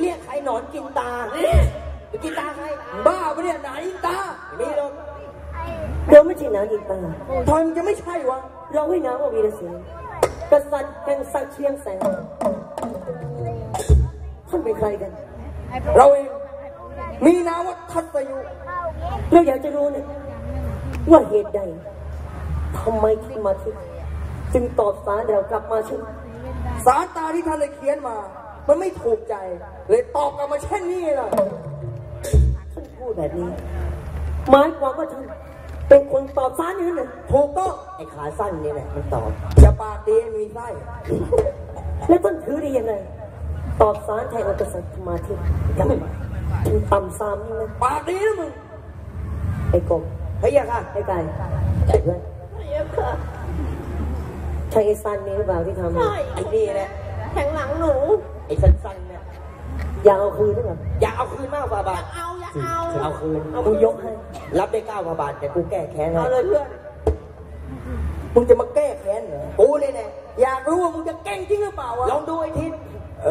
เรียกใครหนอนกินตาไปกินตาใครบ้าปะเนี่ยหนากินตาไม่หรอกเราไม่ใช่หนากินตาทอยมันจะไม่ใช่วะเราให้น้ำว่าวีรเสนกษัตริย์แห่งสักเชียงแสนท่านเป็นใครกันเราเองมีนามว่าทัตยุเราอยากจะรู้นะว่าเหตุใดทำไมท่านมาที่จึงตอบสารเรากลับมาเช่นสารตาที่ท่านได้เขียนมามันไม่ถูกใจเลยตอบกลับมาเช่นนี้ล่ะท่านพูดแบบนี้หมายความว่าท่านเป็นคนตอบสารนี่นะถูกต้องไอ้ขาสั้นนี่แหละมันตอบอย่าปากดีมีไส้แล้วท่านถือได้ยังไงตอบสารแทนอักษัตริย์มาที่ยังไม่ต่ำซ้ำนี่นะปากดีนะมึงไอ้กบเฮ้ยค่ะไอ้ไก่ไก่เพื่อนใช่ไอ้สั้นนี่หรือเปล่าที่ทำไอ้นี่แหละแทงหลังหนูไอ้สั้นๆเนี่ยอยากเอาคืนหรือเปล่าอยากเอาคืนมากกว่าบาทเอาคืนกูยกให้รับได้9 กว่าบาทแต่กูแก้แค้นเอาเลยเพื่อนมึงจะมาแก้แค้นเหรอกูเลยเนี่ยอยากรู้ว่ามึงจะแกล้งจริงหรือเปล่าวะลองดูไอ้ทิศ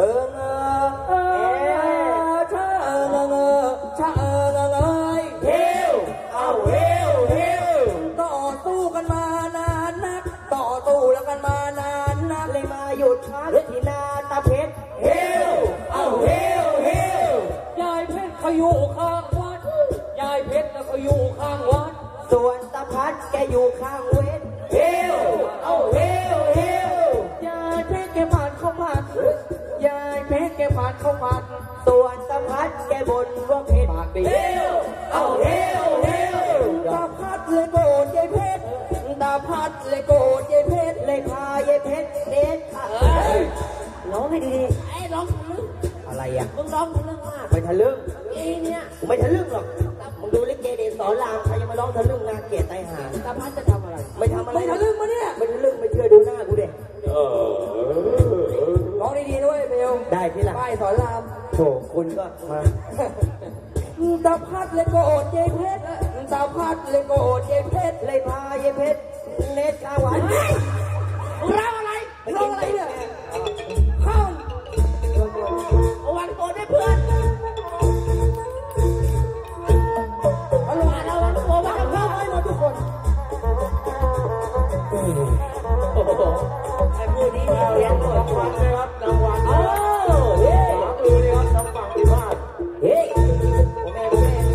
ชาเฮลเอาเฮลต่อสู้กันมานานนักต่อสู้แล้วกันมานานนักเลยมาหยุดพักที่นาตาเพชรเฮลเอาเฮลยายเพชรเขาอยู่ข้างวัดยายเพชรแล้วเขาอยู่ข้างวัดส่วนตาพัดแกอยู่ข้างเวทเฮลเอาเฮลยายเพชรแกผ่านเข้ามายายเพชรแกผ่านเข้ามาส่วนตาพัดแกบ่นว่าเพชรปากดีเฮลเอาเฮลตาพัดเลยโกรธยายเพชรตาพัดเลยโกรธยายเพชรเลยพายายเพชรเด็ดร้องให้ดีๆไอ้ร้องทะลึ่งอะไรอ่ะมึงร้องทะลึ่งมากไม่ทะลึ่งเนี่ยกูไม่ทะลึ่งหรอกมึงดูลิเกเดชสอนรามใครยังมาร้องทะลึ่งน่าเกลียดตายห่าตาพัดจะทำอะไรไม่ทำอะไรไม่ทะลึ่งมาเนี่ยไม่ทะลึ่งไม่เชื่อดูหน้ากูเด็กร้องดีๆด้วยเบลได้ที่ละป้ายสอนรามโถคุณก็มาตาพัดเลยโกรธยายเพชรตาพัดเลยโกรธยายเพชรเลยพายายเพชรเน็ตข้าวหวานร้องอะไรร้องอะไรเนี่ยเข้าวันโกรธได้เพื่อนเอาลงมาเราวันโกรธวันเข้าให้หมดทุกคนไอ้ผู้นี้เราเรียนรางวัลเลยครับรางวัลเฮ้ยดูนี่ครับทางฝั่งที่บ้านเฮ้ยแม่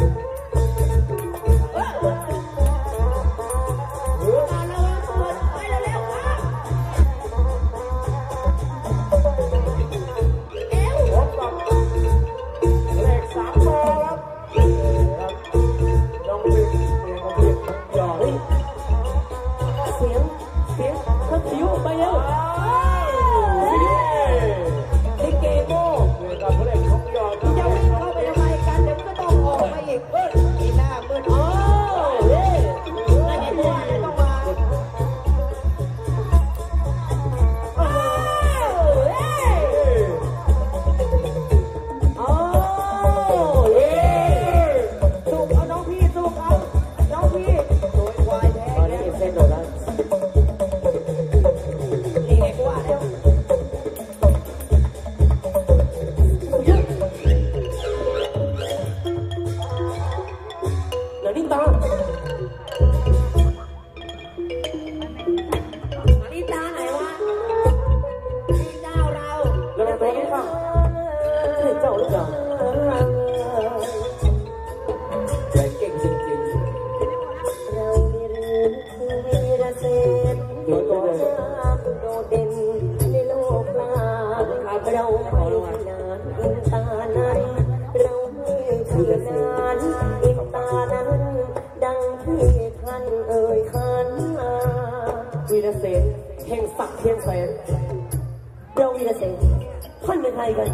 วีรเสนแห่งศักดิ์เชียงแสนเราวีรเสนท่านเป็นใครกัน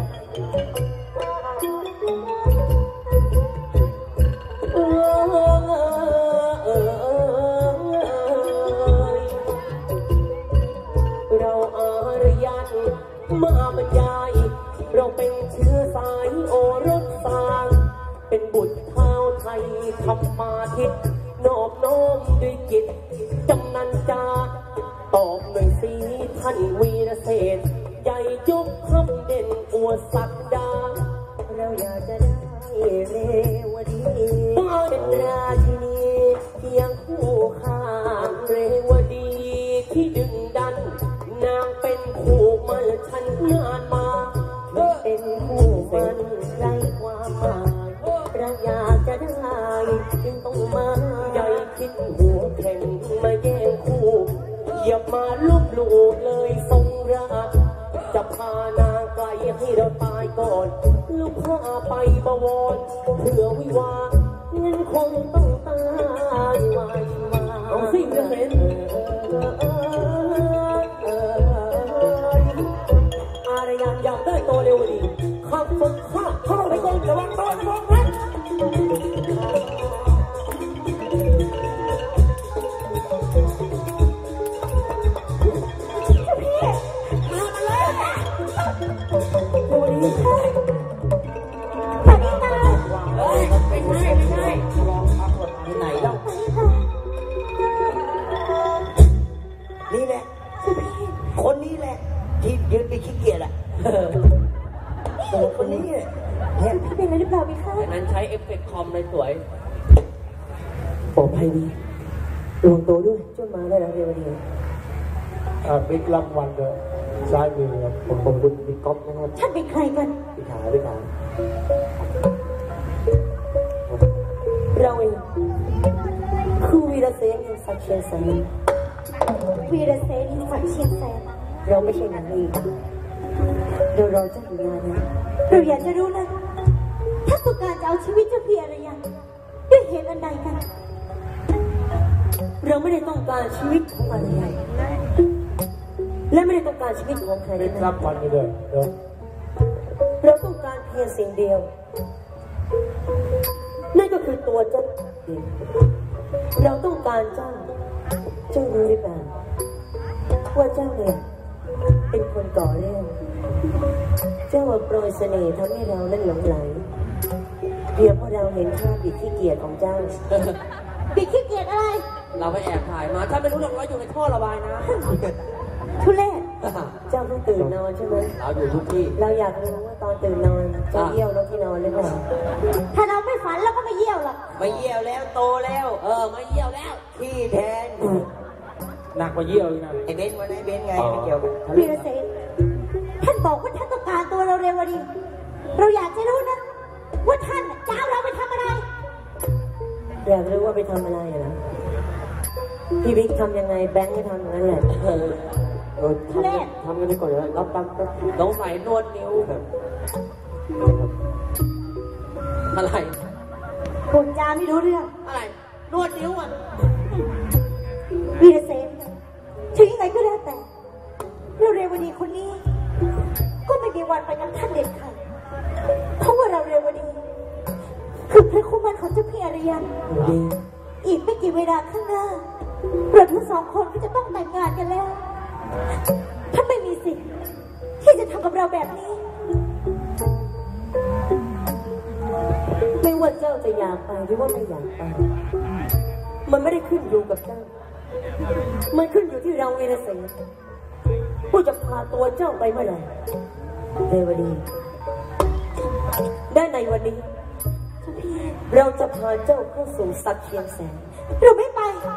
เราอารยันมาบรรยายเราเป็นเชื้อสายโอรสสางเป็นบุตรเท้าไทยธรรมาทิตนอบน้อมด้วยจิตจำนันจาตอบหน่อยสิท่านวีรเสนใหญ่ยกคำเด่นอวดศักดาอยากจะได้เรวดีเป็นราชินีเพียงคู่ข้างเรวดีที่ดึงดันนางเป็นคู่มันฉันนานมาเป็นคู่มันไร้ความหมายเราอยากจะได้จึงต้องมาใหญ่คิดหัวแข่งมาแย่งคู่อย่ามาลบหลู่เลยทรงรักจะพานางไกลให้เราตายก่อนลูกพาไปบวรเพื่อวิวาเงินคงต้องตายไว้มาเอาสิจะเห็นอารยันอยากได้ตัวเร็วดีขับฝึกข้าเข้าไปก่อนระวังตัวนะมองนั้นนี่แหละคนนี้แหละที่ยืนไปขี้เกียจอ่ะคนนี้เนี่ยพี่เป็นอะไรหรือเปล่าพี่คะดังนั้นใช้เอฟเฟกต์คอมเลยสวยปลอดภัยดีระวังตัวด้วยช่วยมาได้แล้วเร็วดีบิ๊กรางวัลเลยซ้ายมือครับผมขอบคุณบิ๊กก๊อฟนะครับท่านเป็นใครกันพี่ขาเราเองคือวีรเสนแห่งสักเชียงแสนวีรเสนฝักเชียงแสนเราไม่ใช่นางเอกเรารอเจ้าอยู่นานแล้วเราอยากจะรู้นะถ้าต้องการจะเอาชีวิตเจ้าพี่อะไรยังด้วยเหตุอันใดกันเราไม่ได้ต้องการชีวิตของอะไรและไม่ได้ต้องการชีวิตของใครบิ๊กนะรางวัลไปเลยเดี๋ยวเราต้องการเพียงสิ่งเดียวนั่นก็คือตัวเจ้าเองเราต้องการเจ้ารู้หรือเปล่าว่าเจ้าเนี่ยเป็นคนก่อเรื่องเจ้ามาโปรยเสน่ห์ทำให้เรานั้นหลงไหลเพียงเพราะเราเห็นท่าบิดขี้เกียจของเจ้าบิดขี้เกียจอะไรเราไปแอบถ่ายมาถ้าไม่รู้หรอกว่าอยู่ในท่อระบายนะทุเรศเจ้าเพิ่งตื่นนอนใช่ไหมเราอยู่ทุกที่เราอยากรู้ว่าตอนตื่นนอนเจ้าเยี่ยวแล้วที่นอนหรือเปล่าถ้าเราไม่ฝันเราก็ไม่เยี่ยวหรอกไม่เยี่ยวแล้วโตแล้วไม่เยี่ยวแล้วขี้แทนหนักกว่าเยี่ยวอีกนะไอ้เบนวันไหนเบนไงไม่เกี่ยวกันวีรเสนท่านบอกว่าท่านต้องการตัวเราเร็วดีเราอยากจะรู้นะว่าท่านจะเอาเราไปทำอะไรอยากรู้ว่าไปทำอะไรเหรอพี่บิ๊กทำยังไงแบงค์ก็ทำอย่างนั้นแหละทำกันดีกว่าแล้วรับตังค์ต้องใส่นวดนิ้วอะไรพูดจาไม่รู้เรื่องอะไร นวดนิ้วอ่ะวีรเสนถึงยังไงก็แล้วแต่เราเรวดีคนนี้ ก็ไม่มีวันไปกับท่านเด็ดขาดเพราะว่าเราเรวดีคือพระคู่มั่นของเจ้าพี่อารยันอีกไม่กี่เวลาข้างหน้าเราทั้งสองคนก็จะต้องแต่งงานกันแล้วท่านไม่มีสิทธิ์ที่จะทำกับเราแบบนี้ไม่ว่าเจ้าจะอยากไปหรือว่าไม่อยากไปมันไม่ได้ขึ้นอยู่กับเจ้ามันขึ้นอยู่ที่เราวีรเสนผู้จะพาตัวเจ้าไปเมื่อไหร่เรวดีได้ในวันนี้เราจะพาเจ้าเข้าสู่สักเชียงแสนเราไม่ไป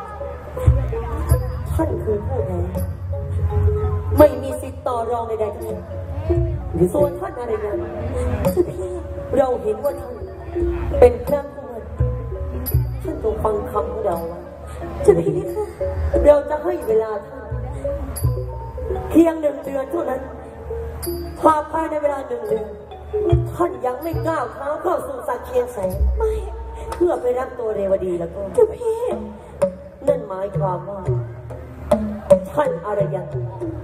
ท่านคือผู้แพ้ไม่มีสิทธิ์ต่อรองใดๆทั้งนั้นส่วนท่านอะไรกันเราเห็นว่าท่านเป็นพระผู้มั่นท่านจงฟังคำของเราไว้เราจะให้เวลาท่านเพียง1 เดือนเท่านั้นภายในเวลา1 เดือนท่านยังไม่ก้าวเท้าเข้าสู่สักเชียงแสนไม่เพื่อไปรับตัวเรวดีแล้วก็นั่นหมายความว่าท่านอารยัน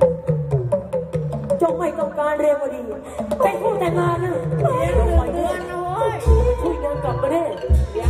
จงไม่ต้องการเรวดีเป็นผู้แต่งงานนะปล่อยเดือนนะเว้ยช่วยนางกลับมาได้เดี๋